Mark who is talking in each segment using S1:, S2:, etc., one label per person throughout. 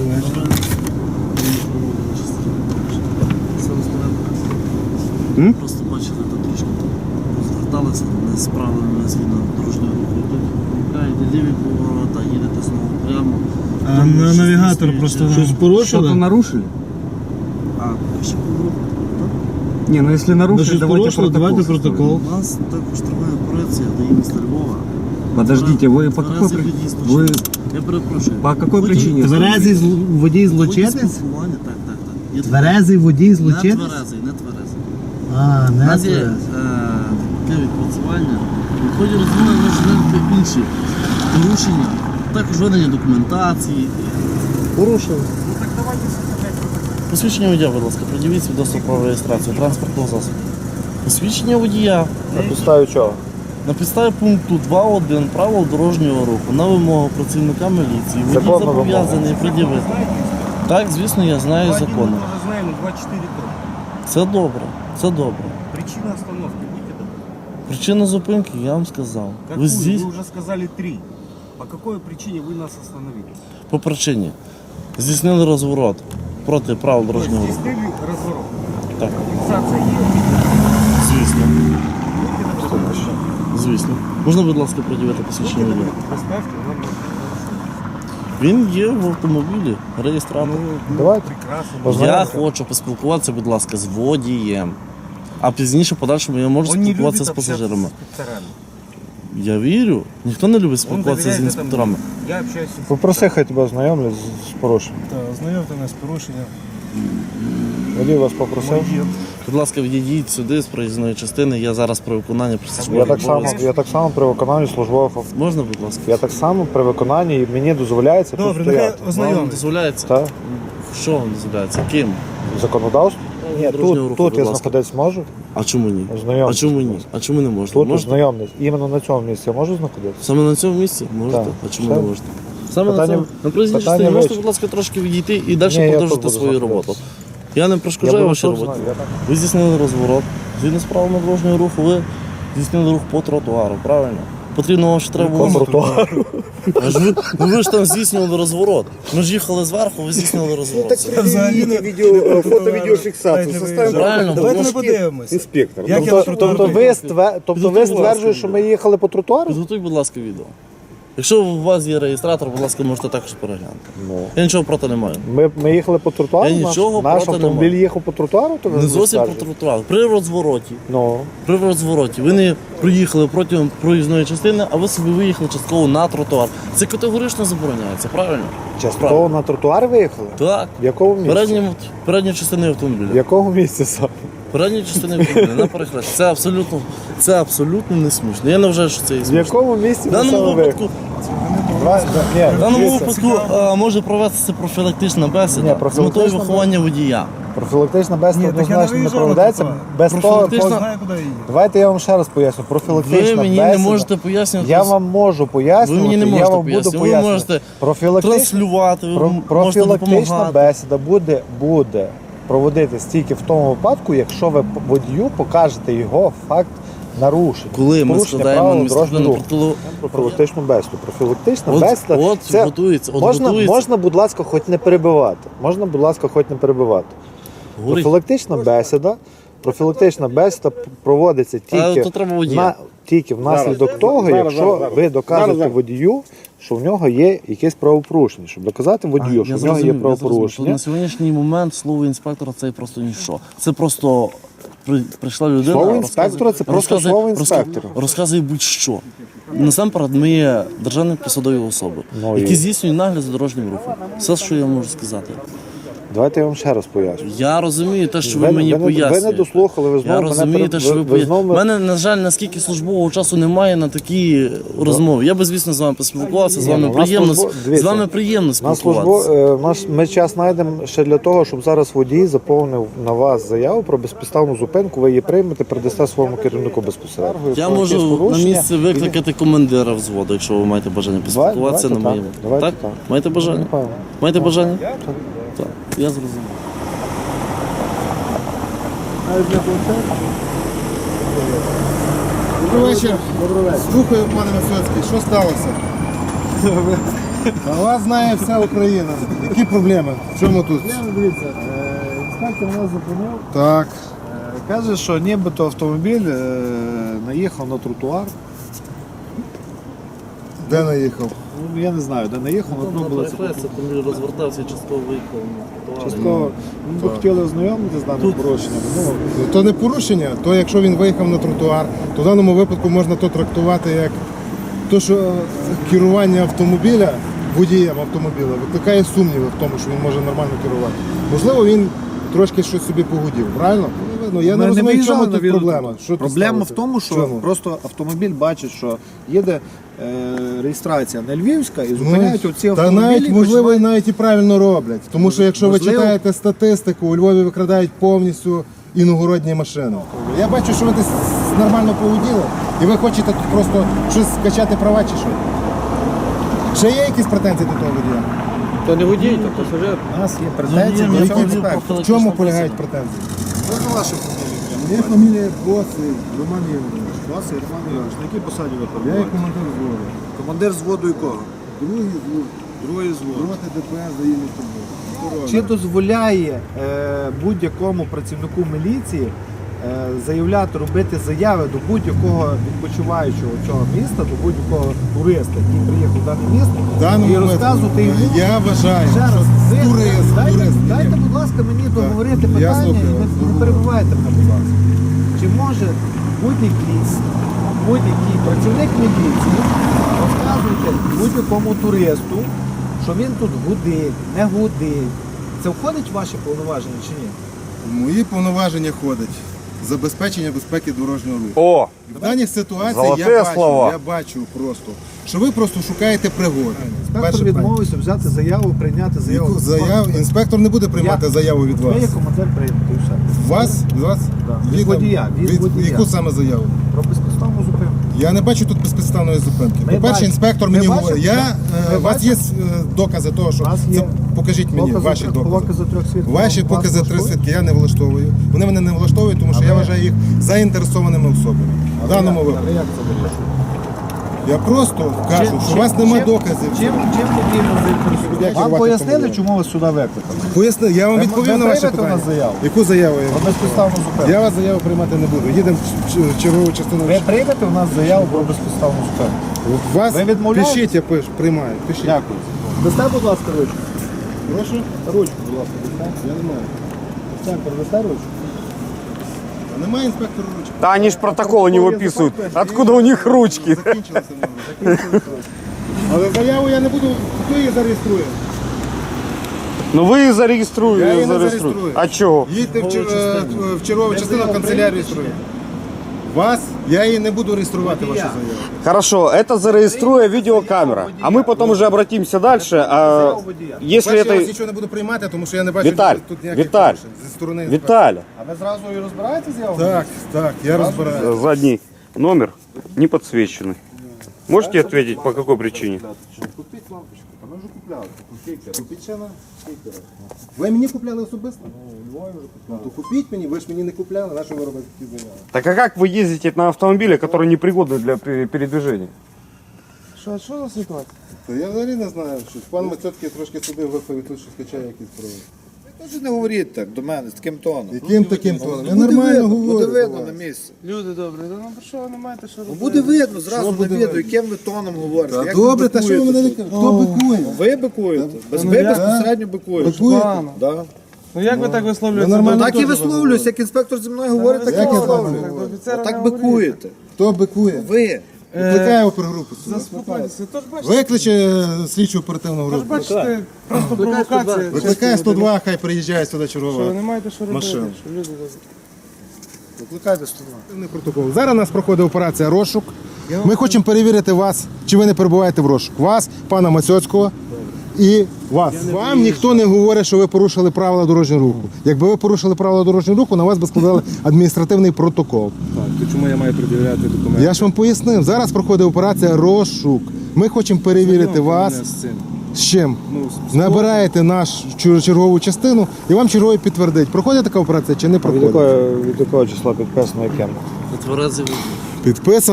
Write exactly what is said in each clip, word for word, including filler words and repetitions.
S1: М?
S2: Просто бачили, там трошки розверталися, не справили згідно дорожнього руху. Йдете ліві поворота, їдете знову прямо.
S1: А
S2: Там
S1: на
S2: щось
S1: навігатор
S2: стоїть,
S1: просто
S2: чи-
S1: щось
S3: Что-то
S1: порушили?
S3: нарушили?
S2: А, ще поворот.
S3: Не, ну если
S1: Ну,
S3: нарушили,
S1: щось
S3: давайте
S1: порушили,
S3: протокол.
S1: давайте
S3: составим.
S1: протокол.
S2: У нас також триває операція до міста Львова.
S3: Подождите, вы по какой
S2: Тверезий
S3: при-
S2: водій
S3: Вы
S2: злочинець. Я перепрошую.
S3: по какой
S2: Водій-
S3: причине?
S1: Тверезий зл- водій
S2: водій
S1: злочинець?
S2: спілкування, так, так, так. Є
S1: Тверезий водій
S2: Не
S1: злочинець?
S2: тверезий, не тверезий.
S1: А,
S2: У
S1: не
S2: нас є е,
S1: тверезий.
S2: таке відпрацювання. В ході розмови можуть бути інші порушення, також ведення документації.
S1: Порушили.
S2: Посвідчення водія, будь ласка, придивіть свідоцтво про реєстрацію транспортного засобу. Посвідчення водія
S4: На підставі чого?
S2: на підставі пункту два точка один правил дорожнього руху на вимогу працівника міліції водій
S4: Законна
S2: зобов'язаний пред'явити. Так, звісно, я знаю закони.
S5: уже знаем, два четыре топ.
S2: Це добре, це добре.
S5: Причина остановки, будьте добры.
S2: Причина зупинки я вам сказав.
S5: Какую?
S2: Ви здесь
S5: Вы уже сказали три. По какой причине вы нас остановили?
S2: по причині здійснили розворот проти правил дорожнього руху.
S5: Здесь разворот.
S2: Так,
S5: Фиксация есть.
S2: звісно.
S5: Будьте добры.
S2: Звісно. Можна, будь ласка, пред'явити посвідчення
S5: Будьте
S2: водія?
S5: добры, поставьте нам на
S2: Він є в автомобілі, реєстратор.
S4: Давайте.
S5: Прекрасно.
S2: Я хочу поспілкуватися, будь ласка, з водієм. А пізніше, в подальшому, я можу
S5: Он не любит
S2: спілкуватися з
S5: общаться
S2: пасажирами.
S5: с инспекторами.
S2: Я вірю. Ніхто не любить
S5: Он
S2: спілкуватися з
S5: доверяет
S2: інспекторами.
S5: этому. Я общаюсь с
S4: Попроси, хай тебе ознайомлять з, з порушенням.
S5: Да, ознайомте нас з порушенням.
S4: Водій вас попросив.
S5: Молодець.
S2: Будь ласка, відійдіть сюди з проїзної частини. Я зараз при виконанні
S4: Я
S2: присяжних
S4: так само,
S2: обов'язків.
S4: я так само при виконанні службових авто.
S2: Можна, будь ласка?
S4: Я так само при виконанні і мені дозволяється тут
S5: Добре, нехай
S4: стояти.
S2: Вам
S5: ознайомте.
S2: дозволяється?
S4: Так?
S2: Що вам дозволяється? Ким?
S4: Законодавство? Ні,
S2: Дорожнього
S4: тут,
S2: руху,
S4: тут
S2: будь
S4: я
S2: ласка.
S4: знаходитись можу.
S2: А чому ні? А
S4: Ознайомтесь.
S2: чому ні? А чому не можна?
S4: Тут
S2: Можете?
S4: ознайомтесь. Іменно на цьому місці я можу знаходитися?
S2: Саме на цьому місці можете?
S4: Так.
S2: А чому
S4: Все.
S2: не можете? Саме
S4: Питання-
S2: на цьому на проїзній
S4: питання
S2: частині можете,
S4: вичерпано.
S2: будь ласка, трошки відійти і далі
S4: Ні, я
S2: продовжити
S4: тут буду
S2: свою
S4: знаходитися.
S2: роботу. Я не
S4: Я
S2: перешкоджаю
S4: буду
S2: вашій
S4: тут
S2: роботі.
S4: знати, я так.
S2: Ви здійснили розворот. Згідно з правилами дорожнього руху, ви здійснили рух по тротуару, правильно? Потрібно вам ще треба
S4: По
S2: було.
S4: тротуару.
S2: А ж ви, ну ви ж там здійснювали розворот. Ми ж їхали зверху, ви здійснювали розворот.
S5: Взагалі не
S4: Відео, фото-відеофіксацію.
S5: Составимо
S2: Правильно,
S5: Давайте ми
S2: тому
S5: подивимося.
S4: Інспектор.
S5: Як я
S4: Тобто,
S5: на тротуар
S4: тобто ви,
S5: виїхав?
S4: стве- тобто ви
S2: Підготуй, будь ласка,
S4: стверджуєте, що ми
S2: відео.
S4: їхали по тротуару?
S2: Підготуй, будь ласка, відео. Якщо у вас є реєстратор, будь ласка, можете також переглянути.
S4: Ну.
S2: Я нічого проти не маю.
S4: Ми, ми їхали по тротуару,
S2: Я
S4: наш,
S2: нічого
S4: наш
S2: проти не
S4: автомобіль
S2: маю.
S4: їхав по тротуару, то ви
S2: Не
S4: не
S2: зовсім по
S4: скажете?
S2: тротуару. При розвороті.
S4: Ну,
S2: При розвороті. Ви не проїхали протягом проїзної частини, а ви собі виїхали частково на тротуар. Це категорично забороняється, правильно?
S4: частково
S2: Правильно.
S4: на тротуар виїхали?
S2: Так.
S4: В якому місці?
S2: Передні, передні частини автомобіля.
S4: В якому місці саме?
S2: Передні частини автомобіля на перехресті. Це абсолютно, це абсолютно не смішно. Я не вважаю, що це є
S4: В
S2: смішно.
S4: якому місці
S2: В
S4: ви
S2: даному
S4: саме
S2: випадку,
S4: виїхали? Ні,
S2: в даному
S4: дивіться,
S2: випадку а, може провестися профілактична
S4: Ні,
S2: бесіда з метою
S4: профілактична
S2: виховання водія.
S4: профілактична бесіда
S5: Ні, так я
S4: однозначно
S5: не
S4: не
S5: виїжджав на
S4: проведеться.
S5: тротуар.
S4: Без того,
S2: Профілактична-
S4: поз-
S5: Знаю, куди їде.
S4: давайте я вам ще раз поясню. Профілактична
S2: Ви мені
S4: бесіда.
S2: не можете пояснювати.
S4: Я вам можу пояснювати,
S2: Ви мені не
S4: я
S2: можете
S4: вам буду
S2: пояснювати. Ви
S4: пояснювати.
S2: можете
S4: Профілактична,
S2: транслювати, ви
S4: про-
S2: можете
S4: профілактична
S2: допомагати.
S4: бесіда буде, буде проводитись тільки в тому випадку, якщо ви водію покажете його факт нарушень.
S2: Коли ми
S4: Порушення
S2: складаємо
S4: правил
S2: адміністративну
S4: дорожнього руху.
S2: протокол.
S4: Профілактичну бесіду. Профілактична
S2: От,
S4: бесіда.
S2: от
S4: це
S2: готується, от
S4: можна,
S2: готується.
S4: можна, будь ласка, хоч не перебивати. Можна, будь ласка, хоч не перебивати.
S2: Говорить.
S4: Профілактична бесіда. Профілактична бесіда проводиться тільки,
S2: то треба водія.
S4: на, тільки внаслідок того,
S6: Зараз,
S4: якщо
S6: зараз, зараз.
S4: ви доказуєте
S6: Зараз, зараз.
S4: водію, що в нього є якесь правопорушення. Щоб доказати водію,
S2: А,
S4: що
S2: я
S4: в нього є
S2: зрозумів, я зрозумів, що
S4: правопорушення.
S2: на сьогоднішній момент слово інспектора це просто ніщо. Це просто при- прийшла людина.
S4: Слово
S2: розказує-
S4: інспектора це просто
S2: розказує-
S4: слово
S2: розка-
S4: інспектора.
S2: Розказує будь-що. Насамперед, ми є державні посадові особи,
S4: Ну, і-
S2: які здійснюють нагляд за дорожнім рухом. Все, що я можу сказати.
S4: Давайте я вам ще раз поясню.
S2: Я розумію те, що ви,
S4: Ви-
S2: мені
S4: ви не-
S2: пояснюєте.
S4: ви не дослухали, ви знову
S2: Я
S4: мене
S2: розумію
S4: пере-
S2: те, що ви,
S4: ви- ви
S2: пояснюєте.
S4: знову-
S2: У мене, на жаль, наскільки службового часу немає на такі розмови. Я би, звісно, з вами поспілкувався, з
S4: Ні,
S2: вами
S4: ну, у нас
S2: приємно,
S4: службо-
S2: з
S4: дивіться,
S2: вами приємно
S4: На службу
S2: спілкуватися.
S4: е, наш ми час знайдемо ще для того, щоб зараз водій заповнив на вас заяву про безпідставну зупинку. Ви її приймете, передасте своєму керівнику безпосередньо.
S2: Я
S4: Про
S2: можу
S4: якісь
S2: на
S4: порушення.
S2: місці викликати командира взводу, якщо ви маєте бажання поспілкуватися на
S4: давайте
S2: моєму.
S4: так, давайте
S2: Так?
S4: так.
S2: Маєте бажання?
S4: Напевно.
S2: Маєте бажання? Так. Я зрозумів.
S6: Добрий вечір. Слухаю, пане Висоцький, що сталося? А вас знає вся Україна. Які проблеми? В чому тут?
S4: Дивіться, е, інспектор нас зупинив.
S6: Так.
S4: Е, Каже, що нібито автомобіль е, наїхав на тротуар.
S6: Де наїхав?
S4: Ну, я не знаю, де наїхав,
S2: Там
S4: ну,
S2: на
S4: було це
S2: перехресті, там розвертався і частково виїхав на тротуар.
S4: частково. Ми б хотіли ознайомитися з даним порушенням. Ну,
S6: Ну, то не порушення, то якщо він виїхав на тротуар, то в даному випадку можна то трактувати як то, що е, керування автомобіля, водієм автомобіля, викликає сумніви в тому, що він може нормально керувати. Можливо, він трошки щось собі погудів, правильно? Ну, я
S4: Ми
S6: не розумію, в
S4: виїжджали
S6: чому
S4: на
S6: тут
S4: відео.
S6: проблема. Що тут
S4: Проблема
S6: сталося?
S4: в тому, що
S6: Чому?
S4: просто автомобіль бачить, що їде е, реєстрація не львівська і зупиняють оці
S6: Ну, Та
S4: автомобілі.
S6: навіть,
S4: і
S6: можливо, і
S4: починають-
S6: навіть і правильно роблять. Тому що якщо
S4: Можливо.
S6: ви читаєте статистику, у Львові викрадають повністю іногородні машини. Я бачу, що ви десь нормально поводіли, і ви хочете тут просто щось скачати права чи що? Ще є якісь претензії до того водія?
S1: То не водій, то пасажир.
S4: У нас є претензії
S2: Ну,
S4: до
S2: є
S4: цього
S2: які-
S4: інспектора.
S6: В чому полягають претензії?
S4: Можна вашу фамілію?
S6: Моя фамілія Боси, Роман Євгенович.
S4: Вас, Роман Іванович, на якій посаді ви
S6: Я є
S4: перебуваєте?
S6: командир взводу.
S4: Командир зводу якого?
S6: Другий звод.
S4: Другий звод.
S6: Роти ДПС заїли тобою.
S4: Чи дозволяє е, будь-якому працівнику міліції е, заявляти, робити заяви до будь-якого відпочиваючого цього міста, до будь-якого туриста, який приїхав в дане місто,
S6: В даному
S4: і розказувати
S6: випадку,
S4: йому?
S6: Я вважаю,
S4: Ще раз,
S6: що
S4: ви-
S6: турист,
S4: дайте,
S6: турист.
S4: дайте, будь ласка, мені договорити
S6: Я
S4: питання і
S6: слухаю
S4: не,
S6: вас.
S4: не перебивайте мене, будь ласка. Чи може будь-який, будь-який працівник міліції розказувати будь-якому туристу, що він тут гудить, не гудить? Це входить в ваші повноваження чи ні?
S6: Мої повноваження ходять. Забезпечення безпеки дорожнього руху.
S3: О,
S6: В даній ситуації
S3: Золоте
S6: я бачу,
S3: слова.
S6: я бачу просто, що ви просто шукаєте пригоди.
S4: Інспектор
S6: Перше питання.
S4: відмовився взяти заяву, прийняти заяву.
S6: Яку заяву? Інспектор не буде приймати
S4: Я-
S6: заяву від вас.
S4: Ви є командир прийняти і все.
S6: Вас? Від вас?
S4: Да. Від водія, від водія.
S6: Яку саме заяву?
S4: Про безпідставну зупинку.
S6: Я не бачу тут безпідставної зупинки.
S4: Ми
S6: По-перше,
S4: бачимо.
S6: інспектор
S4: Ми
S6: мені
S4: бачимо,
S6: говорить, я,
S4: так.
S6: е,
S4: Ми
S6: у вас є
S4: бачимо.
S6: е, докази того, що
S4: У нас
S6: це,
S4: є
S6: покажіть мені
S4: Покази
S6: ваші
S4: трьох-
S6: докази.
S4: покази трьох свідків.
S6: Ваші
S4: Вас
S6: покази три
S4: влаштовує?
S6: свідки я не влаштовую. Вони мене не влаштовують, тому що
S4: А
S6: я
S4: ви-
S6: вважаю їх заінтересованими особами. В даному
S4: Але
S6: випадку.
S4: як це вирішує?
S6: Я просто кажу,
S4: Чим-
S6: що у вас
S4: чим-
S6: нема
S4: чим-
S6: доказів.
S4: Чим, чим потрібно заінтересувати?
S6: Як
S4: Вам
S6: керувати
S4: пояснили,
S6: автомобілем?
S4: чому вас сюди викликали?
S6: Поясни, я вам
S4: Ви-
S6: відповів
S4: ви
S6: на ваше
S4: приймете у
S6: питання.
S4: нас заяву?
S6: Яку заяву? я-
S4: Про безпідставну зупинку.
S6: Я вас заяву приймати не буду. Їдемо в ч- чергову частину.
S4: Ви приймете у нас заяву про безпідставну зупинку?
S6: Вас
S4: Ви відмовляєте?
S6: пишіть, я пишу, приймаю. Пишіть.
S4: Дякую. Дасте, будь ласка, ручку.
S6: Прошу?
S4: Ручку, будь ласка, дасте.
S6: Я не маю.
S4: Центр, дасте ручку?
S6: А немає інспектора ручки.
S3: да они ж протоколы не выписывают. Откуда у них ручки?
S6: Закінчилося в нього. Закінчилося. Але заяву я не буду, хто її зареєструє?
S3: Ну вы
S6: Я її
S3: зарегиструете,
S6: не
S3: зарегиструете.
S6: зареєструю.
S3: А чего?
S6: Їдьте в, чер...
S2: Чергову
S6: е,
S2: частину.
S6: в чергову частину
S4: заяву
S6: канцелярію
S4: приймете чи
S6: реєструю. Вас я її не буду реєструвати, вашу
S4: я.
S6: заяву.
S3: Хорошо, это зарегиструя видеокамера. А мы потом уже обратимся дальше. А если
S6: Перше, я вас
S3: это...
S6: нічого не буду приймати, тому що я не бачу
S3: Віталь,
S6: тут ніяких
S3: Віталь,
S6: порушень зі сторони інспектора.
S3: Виталя,
S4: А ви зразу і розбираєте заяву?
S6: Так, так, я розбираю.
S3: задний номер не подсвеченный. Можете ответить, по какой причине?
S6: Купіть лампочку, а ми вже купляли. Купіть, купіть ще на стікера. Ви мені купляли особисто? Ну, то купіть мені, ви ж мені не купляли, на що ви робите такі заяви?
S3: Так а как вы ездите на автомобиле, который непригодный для пе- передвижения?
S6: Що, що за ситуація? Та я взагалі не знаю, що пан Мацьоцький трошки сюди виповідь, тут що скачає якісь права.
S4: Тож не говоріть так до мене з таким тоном.
S6: Яким таким тоном? Я
S4: Буде
S6: нормально
S4: видно,
S6: говорю.
S4: Буде
S6: до
S4: видно
S6: вас.
S4: на місці.
S1: Люди добрі, ну про що ви не маєте що
S4: Ну,
S1: робити?
S4: буде видно зразу
S6: Що
S4: на
S6: буде
S4: відео,
S6: видно?
S4: яким ви тоном говорите.
S6: Та
S4: як
S6: добре,
S4: ви
S6: та що ви
S4: бикуєте
S6: мене
S4: тут.
S6: лікар? Хто бикує?
S4: Ви бикуєте. Без
S1: ну,
S4: ви
S1: я-
S4: безпосередньо бикуєте.
S6: Бикуєте?
S1: Погано.
S4: Да.
S1: Ну як ви так висловлюєтеся?
S6: Ну, нормально.
S4: Так і висловлююсь, як інспектор зі мною говорить, так і
S6: Як я
S4: висловлююсь.
S6: так говорю?
S1: Офіцера
S4: Так
S1: не говоріть.
S4: бикуєте.
S6: Хто бикує?
S4: Ви.
S6: Викликає опергрупу. сюди.
S1: Заспокойтеся. Тож бачите,
S6: Викличе е, слідчу оперативну
S1: тож
S6: групу.
S1: бачите, просто провокація.
S6: Викликає сто два, хай приїжджає сюди
S1: Що ви
S6: чергова.
S1: не маєте що робити,
S6: Машина.
S1: що люди добрі.
S4: Викликайте сто два.
S6: Протокол. Зараз у нас проходить операція розшук. Ми хочемо перевірити вас, чи ви не перебуваєте в розшук. Вас, пана Мацьоцького і вас. Вам ніхто не говорить, що ви порушили правила дорожнього руху. Якби ви порушили правила дорожнього руху, на вас би складали адміністративний протокол.
S7: Так, то чому я маю пред'являти документи?
S6: Я ж вам пояснив. Зараз проходить операція розшук. Ми хочемо перевірити
S7: Знайомте
S6: вас.
S7: мене з цим.
S6: З чим?
S7: Ну, з- з
S6: Набираєте нашу чер- чергову частину і вам черговий підтвердить, проходить така операція чи не проходить.
S4: Від якого числа підписано яким?
S2: На тверезий вигляд.
S6: Підписана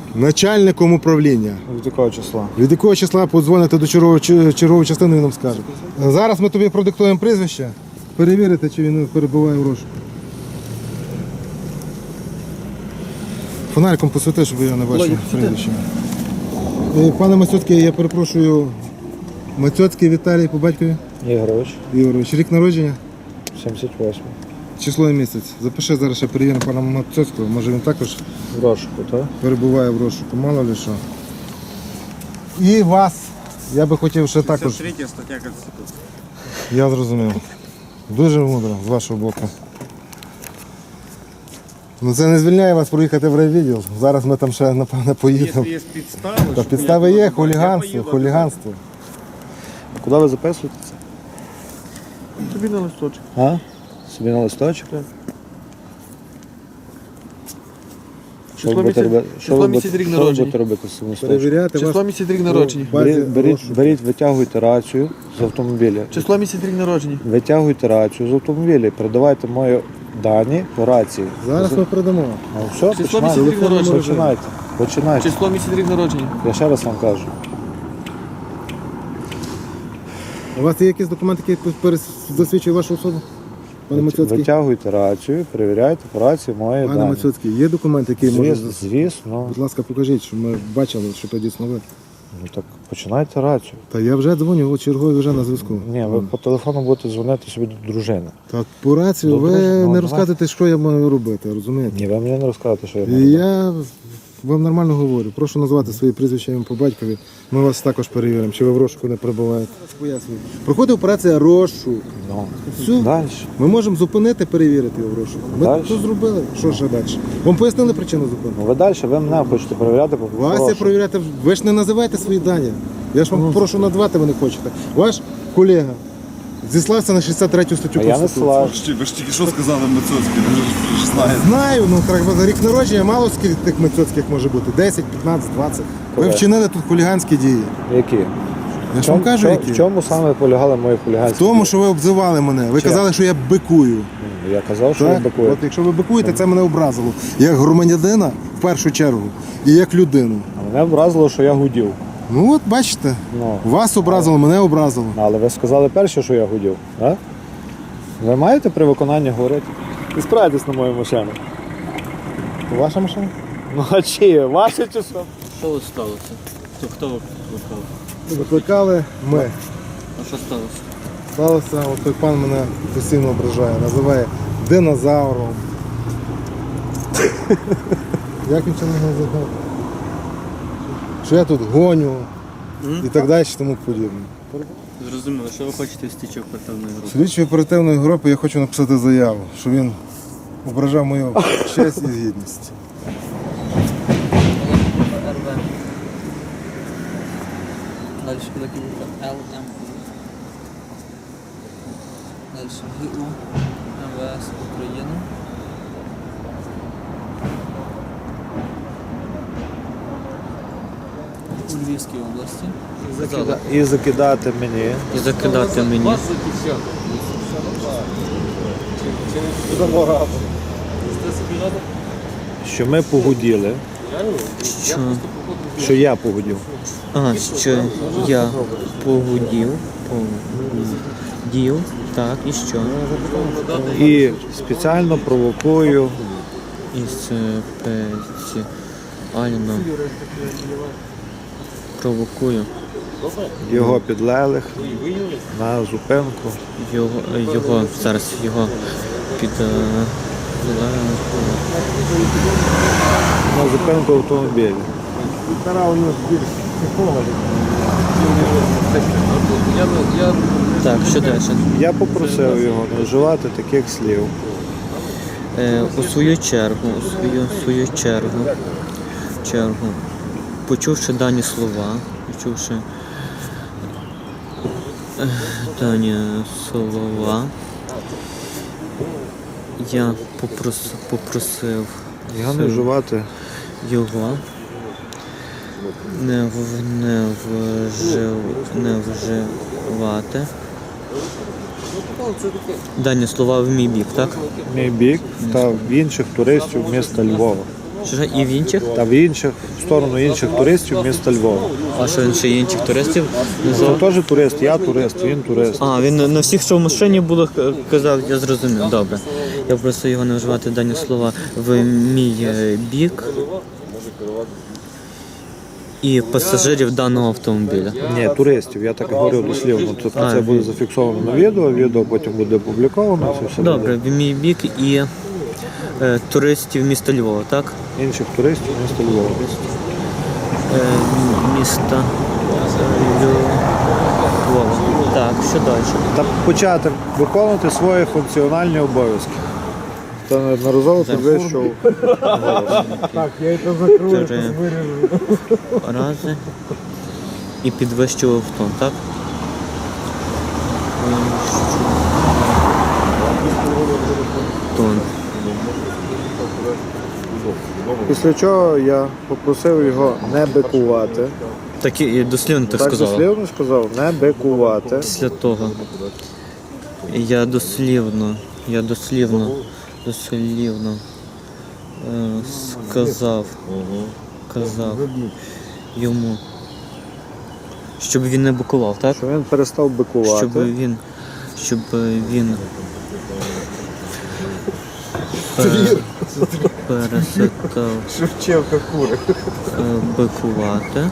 S6: начальником управління.
S2: Від якого числа?
S6: Від якого числа подзвоните до чергової, чергової частини, він нам скаже. Зараз ми тобі продиктуємо прізвище, перевірити, чи він перебуває в розшуку. Фонариком посвіти, щоб я не бачив прізвище. Е, Пане Мацьоцький, я перепрошую, Мацьоцький Віталій по батькові
S2: Ігорович,
S6: Ігорович. Рік народження,
S2: сімдесят восьмий.
S6: число і місяць. Запиши зараз, ще перевіримо пана Мацьоцького, може він також
S2: В розшуку, так?
S6: перебуває в розшуку, мало ли що. І вас, я би хотів ще також.
S5: Третья статья Конституции.
S6: Я зрозумів. Дуже мудро з вашого боку. Ну це не звільняє вас проїхати в райвідділ. Зараз ми там ще, напевне, поїдемо.
S5: Если есть подставы,
S6: Та
S5: чтобы
S6: підстави
S5: я
S6: є,
S5: туда добавил, я
S6: хуліганство,
S5: поеду
S6: хуліганство.
S2: Куди ви записуєте це?
S1: Тобі на листочок.
S2: А? Собі на листочок? Що ви
S1: Число
S2: будете
S1: місяць-
S2: робити? Що
S1: число
S2: ви
S1: місяць
S2: будете-
S1: рік
S2: що ви
S1: народження.
S2: будете робити з цим листочком?
S6: Перевіряти
S1: Число
S6: вас
S1: місяць рік
S6: в
S1: народження.
S6: базі
S2: Беріть, беріть,
S6: розшуку.
S2: беріть, витягуйте рацію з автомобіля.
S1: Число місяць рік народження.
S2: Витягуйте рацію з автомобіля і передавайте мої дані по рації.
S6: Зараз ми передамо.
S2: Ну все,
S1: Число
S2: починайте.
S1: місяць рік народження.
S2: Починайте. Починайте.
S1: Число місяць рік народження.
S2: Я ще раз вам кажу.
S6: У вас є якісь документи, які перес- засвідчують вашу особу? Пане Мацьоцький?
S2: Витягуйте рацію, перевіряйте по рації мої
S6: Пане
S2: дані.
S6: Мацьоцький, є документи, які можуть...
S2: Звісно, звісно.
S6: Будь ласка, покажіть, щоб ми бачили, що то дійсно ви.
S2: Ну так починайте рацію.
S6: Та я вже дзвоню, от черговий вже на зв'язку.
S2: Ні, ви по телефону будете дзвонити собі до дружини.
S6: Так по рацію
S2: Добре,
S6: ви
S2: ну,
S6: не
S2: давай.
S6: розказуєте, що я маю робити, розумієте?
S2: Ні, ви мені не розказуєте, що я
S6: І
S2: маю робити.
S6: я вам нормально говорю. Прошу назвати свої прізвища ім'я по батькові. Ми вас також перевіримо, чи ви в розшуку не перебуваєте. Проходить операція розшук.
S2: Ну,
S6: Все.
S2: далі.
S6: Ми можемо зупинити, перевірити його в розшук. Ми
S2: Дальше.
S6: то зробили. Що ще далі? Вам пояснили причину зупинки?
S2: Ну ви далі, ви мене хочете перевіряти по
S6: Вас я
S2: прошу.
S6: перевіряти. Ви ж не називаєте свої дані. Я ж вам
S2: Ну,
S6: прошу назвати, ви не хочете. Ваш колега зіслався на шістдесят третю статтю
S2: А я не
S6: Конституції.
S2: слав.
S5: Ви ж тільки що сказали Мацоцький, ви ж знаєте.
S6: Знаю, ну треба за рік народження мало скільки тих мецоцьких може бути. десять, п'ятнадцять, двадцять. Ви
S2: Коли?
S6: вчинили тут хуліганські дії.
S2: Які?
S6: Я ж вам кажу,
S2: чому-
S6: які.
S2: В чому саме полягали мої
S6: В
S2: хуліганські?
S6: тому,
S2: дії?
S6: що ви обзивали мене. Ви
S2: Чи?
S6: казали, що я бикую.
S2: Ну, Я казав, що
S6: Так?
S2: ви бакуєте.
S6: От якщо ви бикуєте, це мене образило. Як громадянина в першу чергу і як людину.
S2: А мене вразило, що я гудів.
S6: Ну от бачите,
S2: Ну,
S6: вас образило, мене образило.
S2: але ви сказали перше, що я гудів. А? Ви маєте при виконанні говорити? І справитесь на мою машину.
S6: Ваша машина?
S2: Ну а чи? Ваше чи що?
S8: Що ось сталося? То хто викликав?
S6: Викликали ми.
S8: А що сталося?
S6: Сталося, от той пан мене постійно ображає, називає динозавром. Як він це не називав? Що я тут гоню і так далі, і тому подібне.
S8: Зрозуміло, що ви хочете в стічок оперативної групи?
S6: Слідчої оперативної групи я хочу написати заяву, що він ображав мою честь і гідність.
S8: РВ. Далі Пилипівка Л М. Далі ГУ МВС України. У Львівській області.
S2: І закидати мені.
S8: І закидати мені.
S2: Що ми погуділи,
S8: Що,
S2: що я погудів.
S8: а, що я погудів, погудів, так, і що?
S2: І спеціально провокую
S8: І спеціально провокую
S2: його підлеглих на зупинку.
S8: його, його зараз його під е,
S2: На зупинку автомобіля.
S8: так, що далі?
S2: Я попросив його не вживати таких слів.
S8: Е, у свою чергу, у свою, свою чергу, чергу, почувши дані слова, почувши е, дані слова, я попрос, попросив
S2: Його не вживати.
S8: його не, в, не, вжив, не вживати дані слова в мій бік, так?
S2: Мій бік та в інших туристів міста Львова.
S8: Що ж, і в інших?
S9: Та в інших, в сторону інших туристів міста Львова.
S8: А що він ще інших туристів
S9: Це
S8: назвав?
S9: теж турист, я турист, він турист.
S8: А, він на всіх, що в машині було, к- казав, я зрозумів, добре. Я просто його не вживати дані слова в мій е, бік і пасажирів даного автомобіля.
S9: Ні, туристів, я так говорю дослівно. Тобто
S8: А,
S9: це буде
S8: він-
S9: зафіксовано на відео, відео потім буде опубліковано, це все
S8: Добре,
S9: буде.
S8: в мій бік і е, туристів міста Львова, так?
S9: Інших туристів міста Львова.
S8: Е, м- міста е, Львова. Так, що далі?
S9: Та почати виконувати свої функціональні обов'язки. Це неодноразово підвищував.
S6: Так, я це закрою,
S8: Три
S6: виріжу.
S8: рази і підвищував тон, так? Тон.
S9: Після чого я попросив його не бикувати.
S8: Так і дослівно так
S9: Так
S8: сказала.
S9: дослівно сказав, не бикувати.
S8: Після того я дослівно, я дослівно, дослівно е, сказав, казав йому, щоб він не бикував, так?
S9: Що він перестав бикувати.
S8: Щоб він, щоб він пер- перестав
S4: Шевченка кури.
S8: е, бикувати.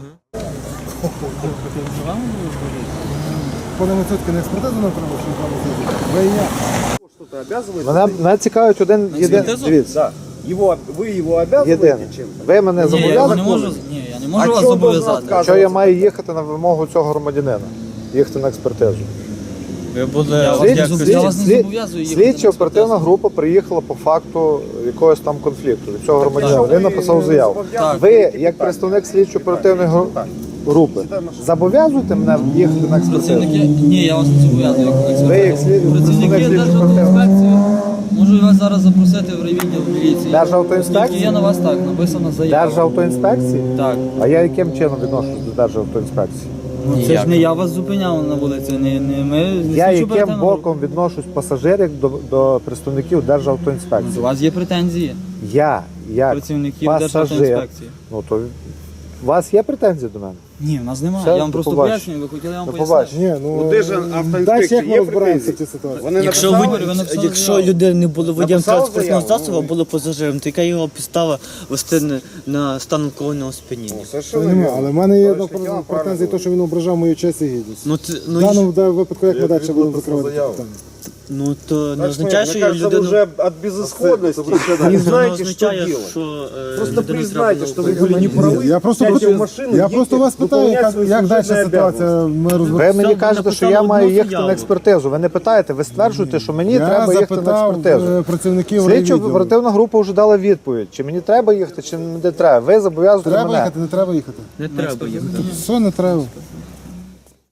S6: Пане Мацьоцький, не експертизу нам треба, що вам ви і я.
S9: Мене, мене цікавить один єдиний. Дивіться,
S5: Его, вы его обязываете
S9: єдине.
S5: чем-то?
S9: Ви мене
S10: Ні, я
S9: зобов'язані?
S10: не можу, ні, я не можу
S5: А
S10: вас
S5: чого должен
S10: зобов'язати.
S5: відказувати?
S9: Що я маю їхати на вимогу цього громадянина? Їхати на експертизу.
S8: Ви були
S10: Я вас
S9: Слід-
S10: не зоб-
S9: слід-
S10: я вас не
S9: слід-
S10: зобов'язую їхати на
S9: Слідча оперативна
S10: експертизу.
S9: група приїхала по факту якогось там конфлікту від цього громадянина.
S5: що
S9: Він
S5: ви
S9: написав
S5: не
S9: заяву.
S5: зобов'язані?
S9: Ви, як представник слідчо оперативної гру- групи, зобов'язуєте мене їхати на експертизу?
S10: Працівники, ні, я вас не зобов'язую як
S9: Ви як
S10: експертизу.
S9: слід-
S10: Працівники
S9: представник
S10: Державтоінспекції, можу вас зараз запросити в райвідділ міліції.
S9: Державтоінспекції?
S10: Оскільки є на вас так, написана заява.
S9: Державтоінспекції?
S10: Так.
S9: А я яким чином відношусь до Державтоінспекції?
S10: Ну, це ж не я вас зупиняв на вулиці, не, не ми. Не
S9: Я
S10: слідчо
S9: яким
S10: оперативна група.
S9: боком відношусь пасажирів до, до представників
S10: У
S9: Державтоінспекції?
S10: вас є претензії
S9: Я, як
S10: працівників
S9: пасажир,
S10: Державтоінспекції.
S9: ну то у вас є претензії до мене?
S10: Ні, в нас немає.
S9: Все,
S10: я вам
S9: до
S10: просто
S9: побачення.
S10: пояснюю, ви хотіли я вам
S9: До
S10: пояснити.
S9: побачення.
S6: Ні, ну,
S5: Ну, де ж
S6: далі
S5: автоінспекції
S6: як ми
S5: є
S6: розбираємося в
S5: претензії?
S6: цій ситуації?
S5: Вони
S8: Якщо,
S5: написали,
S8: ви-
S10: ви написали
S8: якщо
S10: заяву.
S8: людина не було водієм
S5: Написав
S8: транспортного
S5: заяву,
S8: засобу, а було пасажиром, то яка його підстава вести на, на стан алкогольного сп'яніння?
S6: Це немає, але в мене є одна претензія, те, що він ображав мою честь і гідність.
S8: Ну, це,
S6: В
S8: ну,
S6: даному да, випадку, як ми далі будемо закривати це питання?
S8: ну то не
S5: Так что,
S8: означає, що
S5: мне кажется, вы
S8: людину...
S5: уже от безысходности не
S8: Не
S5: знаете, что
S8: означає,
S5: делать.
S8: що е,
S5: Просто
S8: людину
S5: признайте,
S8: треба
S5: что
S8: було
S5: вы были неправы.
S6: Я просто,
S5: сядьте
S6: проти-
S5: в машину,
S6: я
S5: едьте
S6: просто вас питаю,
S5: выполнять
S6: як,
S5: свои
S6: як далі
S5: служебные
S6: ситуація ми
S9: Ви
S6: розбираємо.
S9: мені
S8: Написав-
S9: кажете, що
S8: написав
S9: я
S8: одну
S9: маю їхати
S8: заяву.
S9: на експертизу. Ви не питаєте, ви стверджуєте, що мені
S6: Я
S9: треба їхати на
S6: запитав
S9: експертизу.
S6: е, працівників
S9: Слідчо
S6: райвідділу.
S9: оперативна група вже дала відповідь, чи мені треба їхати, чи не треба. Ви зобов'язуєте
S6: Треба
S9: мене.
S6: їхати, не треба їхати?
S8: Не треба їхати.
S6: Все, не треба.